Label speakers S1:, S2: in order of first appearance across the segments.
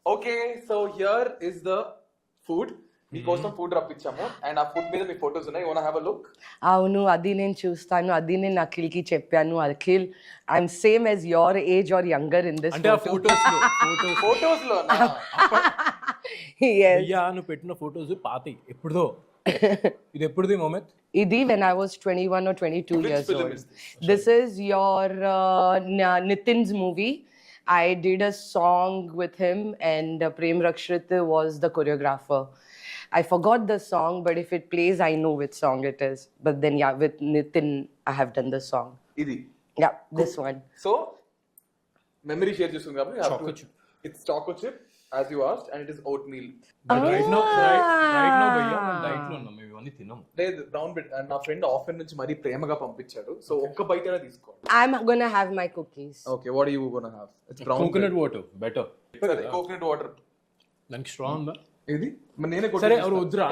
S1: Okay so here is the food మీకోసం food రప్పించాము and ఆ ఫుడ్ మీద మీ ఫోటోస్ ఉన్నాయి. You want have a look?
S2: అవును, అది నేను చూస్తాను. అది నేను అఖిల్కి చెప్పాను. Akhil, I'm same as your age or younger in this
S3: అంటే ఆ
S1: ఫోటోస్ లో
S3: నువ్వు పెట్టిన ఫోటోస్ పాతి ఎప్పుడుదో. ఇది ఎప్పుడుది మొమెంట్?
S2: ఇది when I was 21 or 22
S1: Which
S2: years
S1: film
S2: old.
S1: is this?
S2: This is your Nitin's movie. I did a song with him and Prem Rakshit was the choreographer. I forgot the song, but if it plays, I know which song it is. But then, yeah, with Nitin, I have done the song.
S1: ఇది
S2: Yeah, this one.
S1: So memory share చేస్తుంది కాబట్టి
S3: Choco chip.
S1: It's choco chip as you asked and it is oatmeal.
S3: Right no భయ్యా diet లో ఉన్నాం, మేము ఇవన్నీ తినం.
S1: లేదు బ్రౌన్ బ్రెడ్ అండ్ నా ఫ్రెండ్ ఆఫర్ నుంచి మరీ ప్రేమగా పంపించాడు. సో ఒక్క బైట్ అయినా తీసుకోండి.
S2: I'm gonna have my cookies.
S1: Okay what are you gonna have? It's brown
S3: coconut water better.
S1: Coconut water.
S3: దానికి స్ట్రాంగ్ ఉందా?
S1: ఇది మరి నేనే
S3: సరే ఎవరు వద్దురా.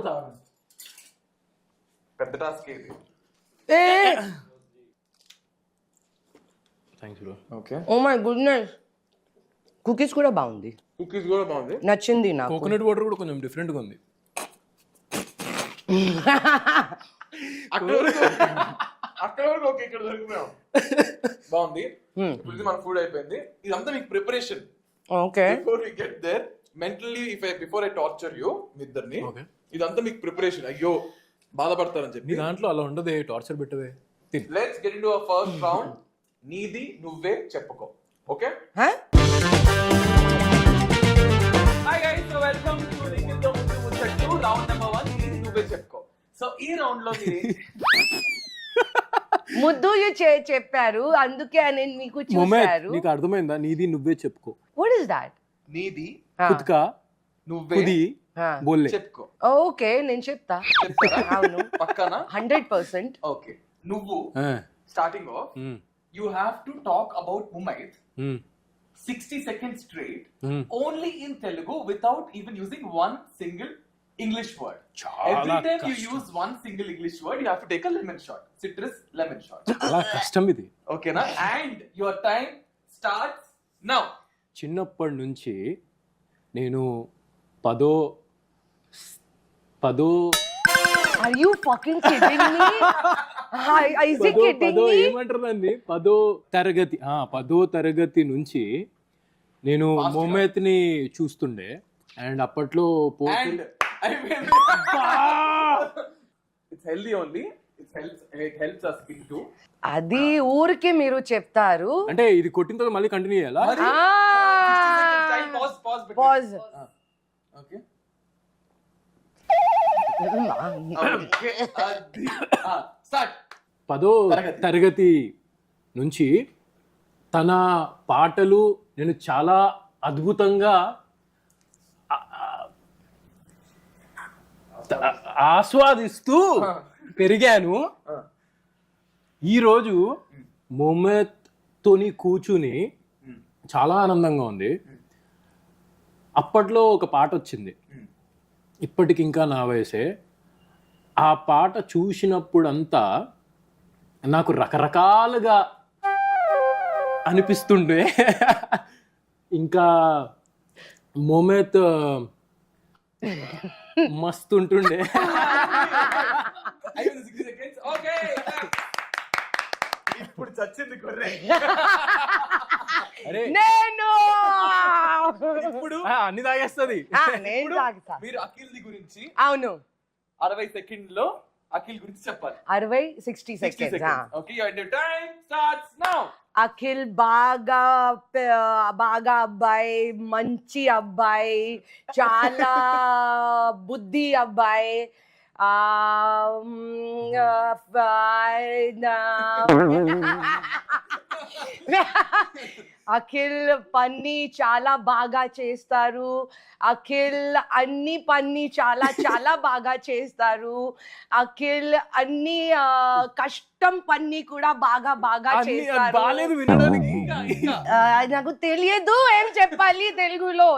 S1: పెద్ద టాస్క్ ఇది.
S2: Hey!
S3: Thanks bro.
S1: Okay
S2: Oh my goodness. Cookies కూడా బాగుంది.
S1: కుకీస్ కూడా బాగుంది.
S2: నచ్చింది నాకు.
S3: కోకోనట్ వాటర్ కూడా కొంచెం డిఫరెంట్ గా ఉంది.
S1: అక్కడ వరకు ఓకే, ఇక్కడ దొరికిపోయాం. బాగుంది. ఇప్పుడు ఇది మన ఫుడ్ అయిపోయింది. ఇదంతా మీకు preparation.
S2: Okay.
S1: Before we get there mentally before I torture you మీ ఇద్దరిని, ఇదంతా మీకు ప్రిపరేషన్. అయ్యో బాధపడతారని
S3: నీ
S1: చెప్పి.
S3: దాంట్లో అలా ఉండదే, టార్చర్ పెట్టవే.
S1: Let's get into our first round. నీది నువ్వే చెప్పుకో. Okay
S2: Huh?
S1: Hi guys, so welcome to నిఖిల్తో ముందు ముచ్చట్టు రౌండ్ నెంబర్ 1. నీది నువ్వే చెప్పుకో. సో ఈ రౌండ్ లో మీరు
S2: ముద్దు చెప్పారు, అందుకే నేను మీకు
S3: మొమెంట్
S2: చూశారు.
S3: నీకు అర్థమైందా? నీది నువ్వే చెప్పుకో.
S2: What is that?
S1: నీది
S3: ఖుద్కా
S1: నువ్వే
S3: ఖుది బోల్లే.
S1: చెప్పుకో.
S2: ఓకే, నేను చెప్తా.
S1: చెప్తారా?
S2: అవును,
S1: పక్కన
S2: 100%.
S1: ఓకే. నువ్వు starting off you have to talk about Mumayth 60 seconds straight only in Telugu without even using one single English word. Every time you use one single English word, you have to take a lemon shot. Citrus lemon shot.
S3: చాలా కష్టం ఇది.
S1: Okay na? And your time starts now.
S3: చిన్నప్పటి నుంచి నేను పదో
S2: Are you fucking kidding me? Is he kidding me?
S3: ఏమంటారు దాన్ని? పదో తరగతి నుంచి నేను మొమెంట్ ని చూస్తుండే. అండ్ అప్పట్లో
S1: And I mean, it's healthy only. It helps us speak too.
S2: అది ఊరికి మీరు చెప్తారు.
S3: అంటే ఇది కొట్టిన తర్వాత మళ్ళీ కంటిన్యూ చేయాలా?
S1: 60 seconds time. Pause.
S2: Pause.
S1: Okay. Start.
S3: పదో తరగతి నుంచి తన పాటలు నేను చాలా అద్భుతంగా ఆస్వాదిస్తూ పెరిగాను. ఈరోజు మొమెంట్తోని కూర్చుని చాలా ఆనందంగా ఉంది. అప్పట్లో ఒక పాట వచ్చింది, ఇప్పటికి ఇంకా నా వయసే. ఆ పాట చూసినప్పుడంతా నాకు రకరకాలుగా అనిపిస్తుండే. ఇంకా మొమెంట్ మస్తు ఉంటుండే.
S1: అయిపోయింది 60 seconds. Okay. ఇప్పుడు చచ్చింది గొర్రె.
S3: అరే
S2: నేను
S1: ఇప్పుడు
S3: అన్ని తాగేస్తుంది.
S2: నేను తాగుతా.
S1: మీరు అఖిల్ది గురించి
S2: అవును,
S1: 60 సెకండ్లో అఖిల్ గురించి చెప్పాలి.
S2: 60
S1: 60
S2: seconds.
S1: seconds. Okay, your time starts now.
S2: Akhil బాగా అబ్బాయి, మంచి అబ్బాయి, చాలా బుద్ధి అబ్బాయి. అఖిల్ పని చాలా బాగా చేస్తారు. అఖిల్ అన్ని పని చాలా బాగా చేస్తారు. అఖిల్ అన్ని కష్టం పని కూడా బాగా చేస్తారు.
S3: బాలేదు వినడానికి.
S2: నాకు తెలియదు ఏం చెప్పాలి తెలుగులో.